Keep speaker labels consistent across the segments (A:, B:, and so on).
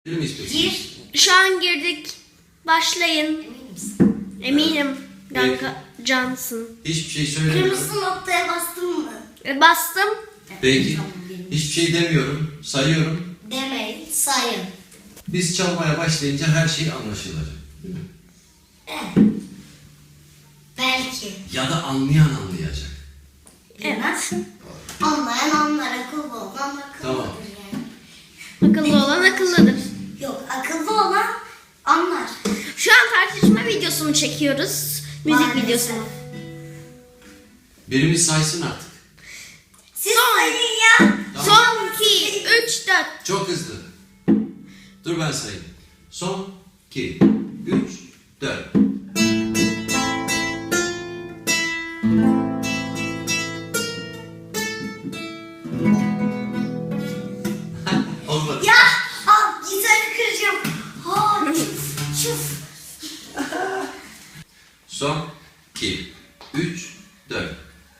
A: Gir.
B: Şu an girdik. Başlayın.
A: Emin misin?
B: Eminim. Kanka cansın.
C: Hiçbir şey söylemiyorum.
A: Kırmızı noktaya bastın mı?
B: Bastım.
C: Peki. Hiçbir şey demiyorum. Sayıyorum.
A: Demeyin, sayın.
C: Biz çalmaya başlayınca her şey anlaşılacak. Değil mi?
A: Evet. Belki.
C: Ya da anlayan anlayacak.
A: Bilmez. Anlayan anlar, akıllı olan akıllıdır
C: Tamam.
A: yani.
B: Akıllı olan akıllıdır.
A: Yok, akıllı olan anlar.
B: Şu an tartışma videosunu çekiyoruz. Müzik
A: Maalesef.
B: videosunu.
C: Birimiz saysın artık.
A: Siz sayın ya.
C: Tamam.
B: Son 2, 3, 4.
C: Çok hızlı. Dur ben sayayım. Son 2, 3, 4. Olmadı.
A: Ya, al gitarı kıracağım. Ha, çuf, çuf.
C: Son 2, 3, 4.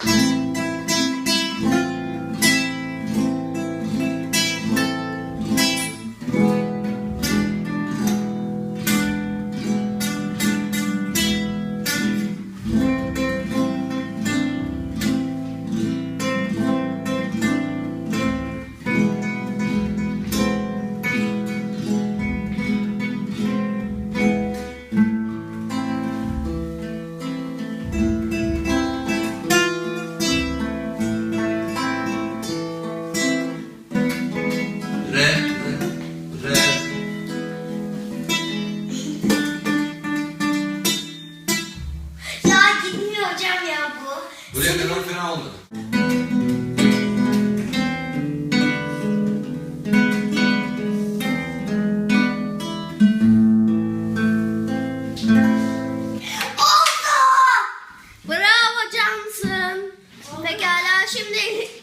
C: Re, re.
A: Ya gitmiyor hocam ya bu.
C: Buraya kadar fena olmadı.
A: Oldu.
B: Bravo cansın. Pekala şimdi